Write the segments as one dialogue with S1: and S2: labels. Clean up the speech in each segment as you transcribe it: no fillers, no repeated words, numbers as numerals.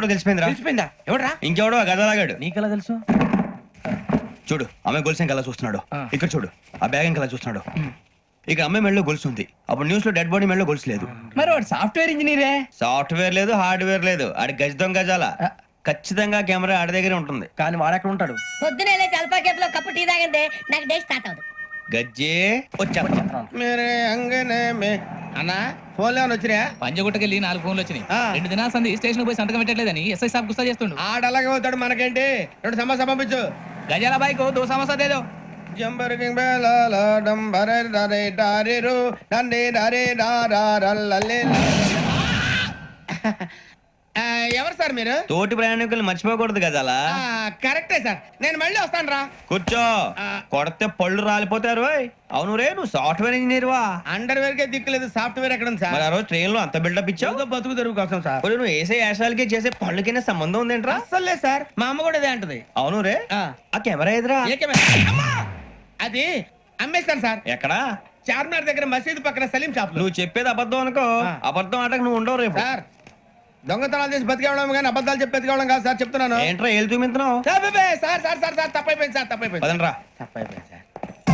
S1: ఎవడో తెలిసిపోయిందిరా.
S2: తెలిసిపోయిందా? ఎవడరా?
S1: ఇంకెవడో ఆ గదలాగాడు.
S2: నీకెలా తెలుసు?
S1: చూడు అమ్మాయి గొలుసు ఇంకలా చూస్తున్నాడు. ఇక్కడ చూడు ఆ బ్యాగ్ ఇంకలా చూస్తున్నాడు. ఇక అమ్మాయి మెడలో గొలుసు ఉంది. అప్పుడు న్యూస్ లో డెడ్ బాడీ మెడలో గొలుసు లేదు.
S2: మరి వాడు సాఫ్ట్వేర్ ఇంజనీరే.
S1: సాఫ్ట్వేర్ లేదు, హార్డ్వేర్ లేదు. ఆడి గజ దొంగ గజాల. ఖచ్చితంగా కెమెరా ఆడి దగ్గరే ఉంటుంది.
S2: కానీ వాడెక్కడ ఉంటాడు?
S3: పొద్దునే లేచి అల్పా కేఫ్ లో కప్పు టీ తాగిందే నాకు డే స్టార్ట్ అవుతుంది.
S1: గజ్జే వచ్చా.
S2: మేరే అంగనే మే అన్నా ఫోన్లో వచ్చినా?
S4: పంజగుట్టకెళ్ళి 4 ఫోన్లు వచ్చినాయి. 2 దినాల సంది స్టేషన్ పోయి సంతకం పెట్టలేదని ఎస్ఐ సాబ్ గుస్తా చేస్తుండు.
S2: ఆడలాగే పోతాడు, మనకేంటి? 2 సమస్య పంపించు.
S4: గజాల బైక్ 2 సమస్య దేదో.
S2: జంబరకింగ్ బేలాల డంబరే డరే డారిరు డండే డరే డారల్లలే. ఎవరు సార్ మీరు?
S1: తోటి ప్రయాణికులు మర్చిపోకూడదు గజాల.
S2: కరెక్టే సార్, నేను మళ్ళీ వస్తాను రా.
S1: కూర్చో. కొడితే పళ్ళు రాలిపోతారు. అవును రే, నువ్వు సాఫ్ట్వేర్ ఇంజనీర్ వా?
S2: అండర్వేర్ కే దిక్కులేదు, సాఫ్ట్వేర్ ఎక్కడ ఉంది సార్?
S1: మరి ఆ రోజు ట్రైన్ లో అంత బిల్డప్ ఇచ్చావు.
S2: బతుకు తెరువు కోసం సార్.
S1: మరి నువ్వు వేసే యాశాలకి చేసే పళ్ళకైనా సంబంధం ఉందేంట్రా?
S2: అస్సలు లేదు సార్, మా అమ్మ కూడా ఇదే అంటది.
S1: అవును రే, ఆ కెమెరా ఎదురా?
S2: అది అమ్మేస్తాను సార్.
S1: ఎక్కడా?
S2: చార్మినార్ దగ్గర మసీదు పక్కన సలీం షాప్.
S1: నువ్వు చెప్పేది అబద్ధం అనుకో. అబద్ధం ఆటకు నువ్వు ఉండవు రేపు.
S2: సార్ దొంగతనాలు చేసి బతికేవడం కానీ అబద్ధాలు చెప్పి బతికేవడం కాదు సార్, చెప్తున్నాను.
S1: ఏంట్రా ఏళ్ళు చూపించినావు?
S2: సార్ సార్ సార్ సార్ తప్పైపోయింది సార్, తప్పైపోయింది.
S1: పదండ్రా.
S2: తప్పైపోయింది సార్.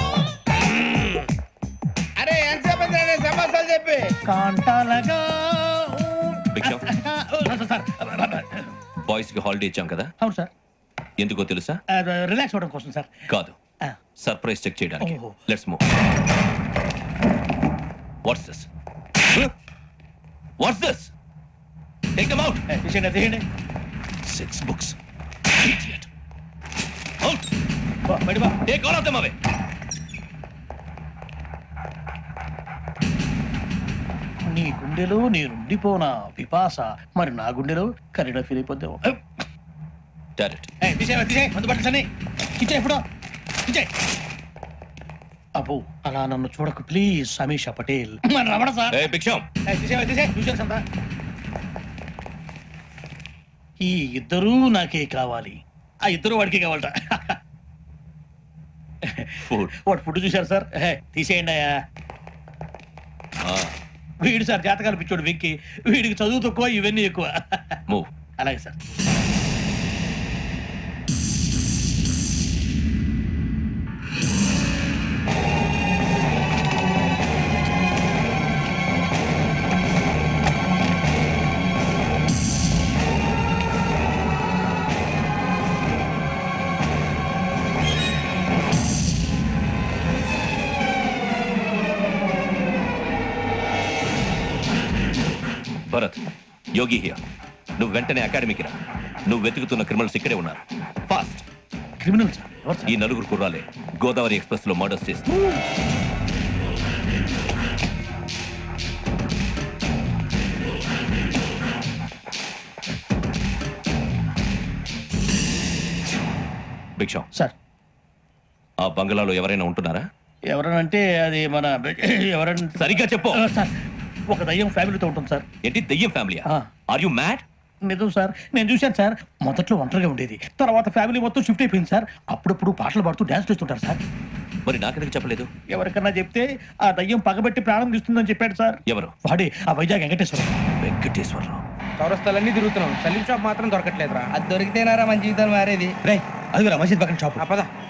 S2: అరే ఎంతసేపు సమాసాలు చెప్పి కాంటాలగా.
S5: బాయ్స్ కి హాలిడే ఇచ్చాం కదా?
S2: అవును సార్.
S5: ఎందుకో తెలుసా?
S2: రిలాక్స్ అవ్వడం కోసం సార్.
S5: కాదు, సర్ప్రైజ్ చెక్ చేయడానికి. Let's move. What's this? What's this? Take them out.
S2: తీయండి.
S5: 6 books. Idiot. Out. Take all of them away.
S6: నీ గుండెలో నేనుండిపోనా పిపాస, మరి నా గుండెలో కరీడా ఫీల్ అయిపోద్దాం.
S5: Direct.
S6: అబ్బో అలా నన్ను చూడకు ప్లీజ్ సమీషా పటేల్. మరి Ramana sir.
S5: Hey, Big Sham.
S6: ఈ ఇద్దరూ నాకే కావాలి, ఆ ఇద్దరు వాడికి కావాలట.
S5: Food.
S6: వాడు ఫుడ్ చూశారు సార్. తీసేయండి అయ్యా. వీడు సార్ జాతకాలు పిచ్చోడు వెక్కి, వీడికి చదువు తక్కువ ఇవన్నీ ఎక్కువ.
S5: Move.
S6: అలాగే సార్.
S5: Bharat, Yogi here. నువ్వు వెంటనే అకాడమీకి రా. నువ్వు వెతుకుతున్న క్రిమినల్స్ ఇక్కడే ఉన్నారు. ఫాస్ట్.
S6: Criminal sir?
S5: ఈ 4 కుర్రాలే గోదావరి ఎక్స్ప్రెస్ లో మర్డర్స్ చేస్తారు. భిక్షం
S6: సార్.
S5: ఆ బంగ్లాలో ఎవరైనా ఉంటున్నారా?
S6: ఎవరనంటే అది మన ఎవరంటే
S5: సరిగ్గా చెప్పు.
S6: సార్ ఒక దయ్యం ఫ్యామిలీతో ఉంటుంది సార్.
S5: ఏంటి దయ్యం ఫ్యామిలీ? Are you mad?
S6: నిజం సార్, నేను చూశాను సార్. మొదట్లో ఒంటరిగా ఉండేది, తర్వాత ఫ్యామిలీ మొత్తం షిఫ్ట్ అయిపోయింది సార్. అప్పుడప్పుడు పాటలు పాడుతూ డాన్స్ చేస్తుంటారు సార్.
S5: మరి నాకెందుకు చెప్పలేదు?
S6: ఎవరికన్నా చెప్తే ఆ దయ్యం పగబెట్టి ప్రాణం తీస్తుందని చెప్పాడు సార్.
S5: ఎవరు?
S6: వాడే ఆ వైజాగ్ వెంకటేశ్వరరావు.
S5: వెంకటేశ్వరరావు.
S2: చౌరస్తాలన్నీ తిరుగుతున్నాం, సలీం షాప్ మాత్రం దొరకట్లేదురా. అది దొరికితేనారా మన జీవితాలు మారేది.
S1: రేయ్, అదిగురా మసీద్ పక్కన షాప్.
S2: పద.